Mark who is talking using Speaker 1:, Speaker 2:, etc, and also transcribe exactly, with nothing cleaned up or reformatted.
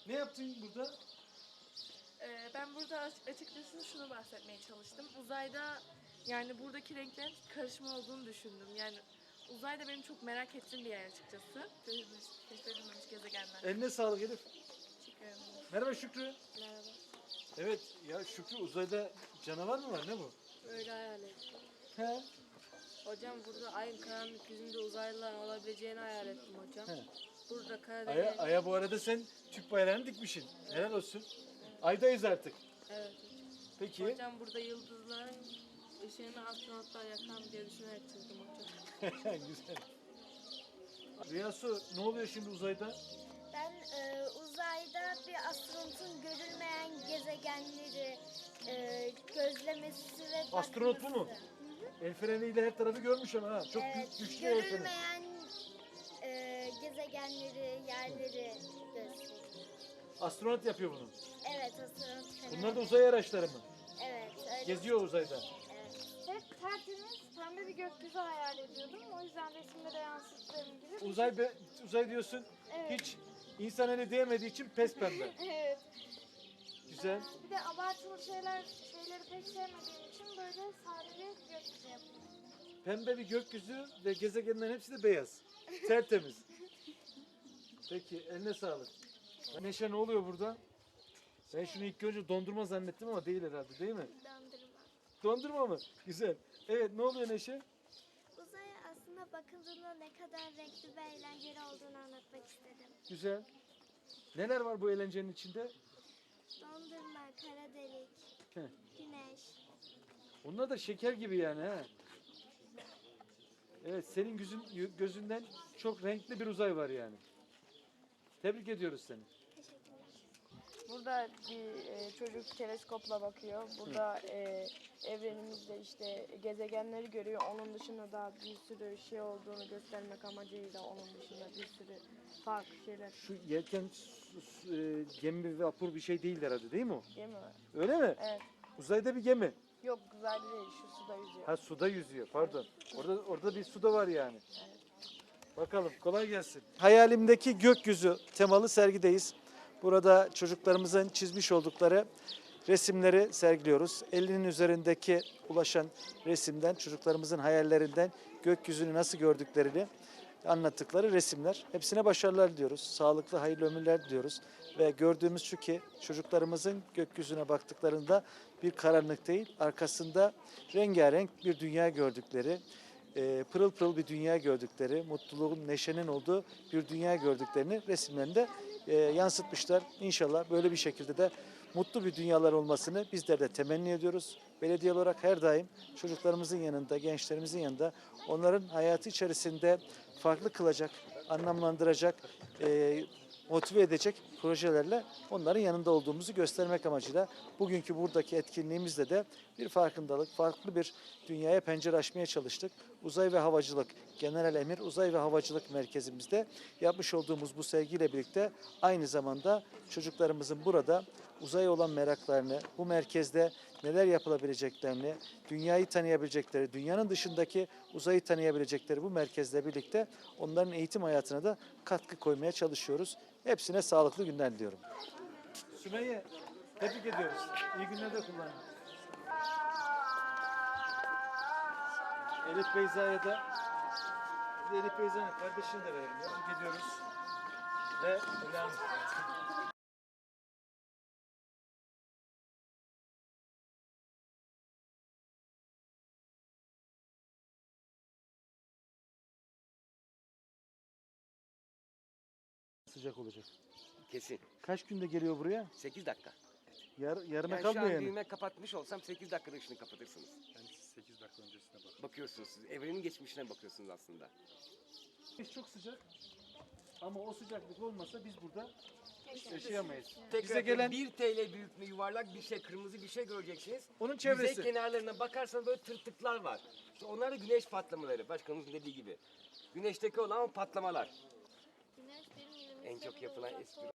Speaker 1: Ne yaptın burada?
Speaker 2: Ee, ben burada açıkçası şunu bahsetmeye çalıştım. Uzayda yani buradaki renklerin karışma olduğunu düşündüm. Yani uzayda benim çok merak ettiğim bir yer açıkçası. Keşfedilmemiş, keşfedilmemiş gezegenler.
Speaker 1: Eline sağlık Elif.
Speaker 2: Teşekkür ederim.
Speaker 1: Merhaba Şükrü.
Speaker 2: Merhaba.
Speaker 1: Evet ya Şükrü, uzayda canavar mı var, ne bu?
Speaker 3: Öyle hayal ettim.
Speaker 1: He.
Speaker 3: Hocam burada ayın karanlık yüzünde uzaylıların olabileceğini hayal ettim hocam.
Speaker 1: He.
Speaker 3: Burada
Speaker 1: Aya,
Speaker 3: Karadeniz...
Speaker 1: aya bu arada sen Türk bayrağını dikmişsin. Helal olsun. Aydayız artık.
Speaker 3: Evet hocam.
Speaker 1: Peki.
Speaker 3: Hocam burada yıldızların ışığını astronotlar yakar diye düşünerek çizdim hocam.
Speaker 1: Güzel. Riyasu, ne oluyor şimdi uzayda?
Speaker 4: Ben e, uzayda bir astronotun görülmeyen gezegenleri e, gözlemesi ve
Speaker 1: Astronot bu mu?
Speaker 4: bakması. Hı hı.
Speaker 1: El freniyle her tarafı görmüş ama ha. Çok
Speaker 4: Evet,
Speaker 1: büyük, güçlü el freni.
Speaker 4: görülmeyen e, gezegenleri, yerleri gösteriyor.
Speaker 1: Astronot yapıyor bunu.
Speaker 4: Evet, astronot fener.
Speaker 1: Bunlar da uzay araçları mı?
Speaker 4: Evet, öyle.
Speaker 1: Geziyor uzayda.
Speaker 4: Evet.
Speaker 5: Hep tertemiz pembe bir gökyüzü hayal ediyordum. O yüzden resimde de yansıttığım gibi.
Speaker 1: Uzay be, uzay diyorsun.
Speaker 5: Evet.
Speaker 1: Hiç insan eli değmediği için pes pembe.
Speaker 5: Evet.
Speaker 1: Güzel.
Speaker 5: Ee, bir de abartılı şeyler şeyleri pek sevmediğim için böyle sade bir gökyüzü yaptım.
Speaker 1: Pembe bir gökyüzü ve gezegenlerin hepsi de beyaz. Tertemiz. Peki, eline sağlık. Neşe, ne oluyor burada? Ben şunu ilk önce dondurma zannettim ama değil herhalde, değil mi?
Speaker 4: Dondurma.
Speaker 1: Dondurma mı? Güzel. Evet, ne oluyor Neşe?
Speaker 4: Uzaya aslında bakıldığında ne kadar renkli ve eğlenceli olduğunu anlatmak istedim.
Speaker 1: Güzel. Neler var bu eğlencenin içinde?
Speaker 4: Dondurma, kara delik,
Speaker 1: Heh.
Speaker 4: güneş.
Speaker 1: Onlar da şeker gibi yani ha. Evet, senin gözün, gözünden çok renkli bir uzay var yani. Tebrik ediyoruz seni.
Speaker 4: Teşekkürler.
Speaker 6: Burada bir e, çocuk teleskopla bakıyor. Burada e, evrenimizde işte gezegenleri görüyor. Onun dışında da bir sürü şey olduğunu göstermek amacıyla onun dışında bir sürü farklı şeyler.
Speaker 1: Şu yelken su- su- e, gemi ve vapur bir şey değil herhalde, değil mi o?
Speaker 6: Gemi mi?
Speaker 1: Öyle mi?
Speaker 6: Evet.
Speaker 1: Uzayda bir gemi.
Speaker 6: Yok güzel değil. Şu suda yüzüyor.
Speaker 1: Ha, suda yüzüyor, pardon. Orada orada bir suda var yani. Bakalım, kolay gelsin. Hayalimdeki gökyüzü temalı sergideyiz. Burada çocuklarımızın çizmiş oldukları resimleri sergiliyoruz. elinin üzerindeki ulaşan resimden, çocuklarımızın hayallerinden gökyüzünü nasıl gördüklerini anlattıkları resimler. Hepsine başarılar diliyoruz. Sağlıklı, hayırlı ömürler diliyoruz. Ve gördüğümüz şu ki çocuklarımızın gökyüzüne baktıklarında bir karanlık değil, arkasında rengarenk bir dünya gördükleri, e, pırıl pırıl bir dünya gördükleri, mutluluğun, neşenin olduğu bir dünya gördüklerini resimlerinde e, yansıtmışlar. İnşallah böyle bir şekilde de mutlu bir dünyalar olmasını bizler de temenni ediyoruz. Belediye olarak her daim çocuklarımızın yanında, gençlerimizin yanında onların hayatı içerisinde farklı kılacak, anlamlandıracak, e, motive edecek projelerle onların yanında olduğumuzu göstermek amacıyla bugünkü buradaki etkinliğimizde de bir farkındalık, farklı bir dünyaya pencere açmaya çalıştık. Uzay ve Havacılık General Emir Uzay ve Havacılık Merkezimizde yapmış olduğumuz bu sergiyle birlikte aynı zamanda çocuklarımızın burada uzaya olan meraklarını, bu merkezde neler yapılabileceklerini, dünyayı tanıyabilecekleri, dünyanın dışındaki uzayı tanıyabilecekleri bu merkezle birlikte onların eğitim hayatına da katkı koymaya çalışıyoruz. Hepsine sağlıklı günler diliyorum. Sümeyye, tebrik ediyoruz. İyi günler de kullanın. Elif Beyza'ya da Elif Beyza'nın kardeşini de verelim. Tebrik ediyoruz. Ve Hülya Hanım. Sıcak olacak.
Speaker 7: Kesin.
Speaker 1: Kaç günde geliyor buraya?
Speaker 7: sekiz dakika.
Speaker 1: Yar, yarına
Speaker 7: Yani şu an
Speaker 1: kalmıyor yani.
Speaker 7: düğme kapatmış olsam sekiz dakikada ışını kapatırsınız.
Speaker 8: Ben sekiz dakika öncesine bak.
Speaker 7: Bakıyorsunuz siz. Evrenin geçmişine bakıyorsunuz aslında.
Speaker 1: Çok sıcak. Ama o sıcaklık olmasa biz burada yaşayamayız.
Speaker 7: Tekrar
Speaker 1: Bize gelen
Speaker 7: bir T L büyüklüğünde yuvarlak bir şey, kırmızı bir şey göreceksiniz.
Speaker 1: onun
Speaker 7: Yüzey
Speaker 1: çevresi.
Speaker 7: kenarlarına bakarsanız böyle tırtıklar var. İşte onlar da güneş patlamaları. Başkanımızın dediği gibi. Güneşteki olan o patlamalar.
Speaker 4: Güneş benim
Speaker 7: En çok yapılan espri